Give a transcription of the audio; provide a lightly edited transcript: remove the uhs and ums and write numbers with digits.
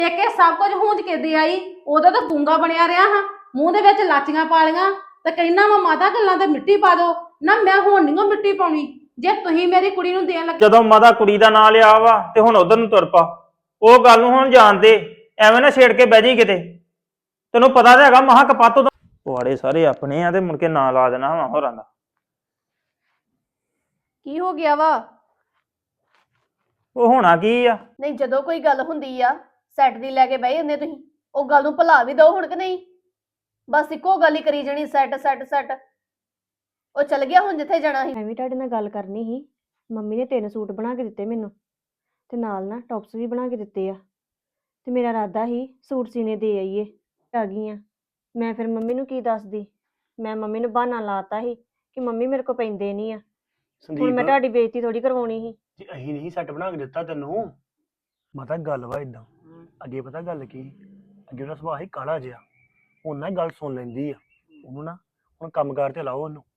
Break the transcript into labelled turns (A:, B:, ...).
A: ਦੇਖ ਕੇ ਸਭ ਕੁਝ ਹੂੰਜ ਕੇ ਦੇ ਆਈ। ਉਦੋਂ ਤਾਂ ਗੂੰਗਾ ਬਣਿਆ ਰਿਹਾ ਹਾਂ, ਮੂੰਹ ਦੇ ਵਿੱਚ ਲਾਚੀਆਂ ਪਾ ਲੀਆਂ ਤੇ ਕਹਿੰਦਾ ਵਾ ਮਾਤਾ ਗੱਲਾਂ ਤੇ ਮਿੱਟੀ ਪਾ ਦੋ ਨਾ। ਮੈਂ ਹੁਣ ਨਹੀਂ ਮਿੱਟੀ ਪਾਉਣੀ ਜੇ ਤੁਸੀਂ ਮੇਰੀ ਕੁੜੀ ਨੂੰ ਦੇਣ ਲੱਗੇ।
B: ਜਦੋਂ ਮਾਤਾ ਕੁੜੀ ਦਾ ਨਾਂ ਲਿਆ ਵਾ ਤੇ ਹੁਣ ਉਧਰ ਨੂੰ ਤੁਰ ਪਾ। ਉਹ ਗੱਲ ਨੂੰ ਹੁਣ ਜਾਣਦੇ, ਐਵੇਂ ਨਾ ਛੇੜ ਕੇ ਬਹਿ ਜੀ ਕਿਤੇ। ਤੈਨੂੰ ਪਤਾ ਤਾਂ ਹੈਗਾ ਮਹਾ ਕਪੱਤ ਤੋਂ ਪੁਆੜੇ ਸਾਰੇ ਆਪਣੇ ਆ ਤੇ ਮੁੜ ਕੇ ਨਾਂ ਲਾ ਦੇਣਾ ਵਾ ਹੋਰਾਂ ਦਾ।
C: ਕੀ ਹੋ ਗਿਆ ਵਾ?
B: ਉਹ ਹੋਣਾ ਕੀ ਆ?
C: ਨਹੀਂ, ਜਦੋਂ ਕੋਈ ਗੱਲ ਹੁੰਦੀ ਆ ਸੈੱਟ ਦੀ ਲੈ ਕੇ ਬਹਿ ਜਾਂਦੇ ਤੁਸੀਂ। ਉਹ ਗੱਲ ਨੂੰ ਭੁਲਾ ਵੀ ਦਿਓ ਹੁਣ ਕਿ ਨਹੀਂ? ਬਸ ਇੱਕੋ ਗੱਲ ਹੀ ਕਰੀ ਜਾਣੀ, ਸੈੱਟ ਸੈੱਟ ਸੈੱਟ। ਉਹ ਚਲ ਗਿਆ ਹੁਣ ਜਿੱਥੇ ਜਾਣਾ ਸੀ।
D: ਮੈਂ ਵੀ ਤੁਹਾਡੇ ਨਾਲ ਗੱਲ ਕਰਨੀ ਸੀ। ਮੰਮੀ ਨੇ 3 ਸੂਟ ਬਣਾ ਕੇ ਦਿੱਤੇ ਮੈਨੂੰ ਤੇ ਨਾਲ ਨਾ ਟੌਪਸ ਵੀ ਬਣਾ ਕੇ ਦਿੱਤੇ ਆ ਤੇ ਮੇਰਾ ਇਰਾਦਾ ਸੀ ਸੂਟ ਸੀਨੇ ਦੇ ਆਈਏ। ਆ ਗਈ ਆ ਮੈਂ, ਫਿਰ ਮੰਮੀ ਨੂੰ ਕੀ ਦੱਸਦੀ। ਮੈਂ ਮੰਮੀ ਨੂੰ ਬਹਾਨਾ ਲਾਤਾ ਸੀ ਕਿ ਮੰਮੀ ਮੇਰੇ ਕੋ ਪੈਂਦੇ ਨਹੀਂ ਆ। ਹੁਣ ਮੈਂ
E: ਸੰਦੀਪ
D: ਤੁਹਾਡੀ ਬੇਇੱਜ਼ਤੀ ਥੋੜੀ ਕਰਵਾਉਣੀ ਸੀ।
E: ਜੇ ਅਸੀਂ ਨਹੀਂ ਸੈੱਟ ਬਣਾ ਕੇ ਦਿੱਤਾ ਤੈਨੂੰ, ਮਾਤਾ ਗੱਲ ਵਾ ਇਦਾਂ। ਅੱਗੇ ਪਤਾ ਗੱਲ ਕੀ, ਅੱਗੇ ਉਹਦਾ ਸੁਭਾਅ ਸੀ ਕਾਲਾ ਜਿਹਾ। ਹੁਣ ਨਾ ਗੱਲ ਸੁਣ ਲੈਂਦੀ ਆ। ਉਹਨੂੰ ਨਾ ਹੁਣ ਕੰਮਕਾਰ ਤੇ ਲਾਓ ਉਹਨੂੰ।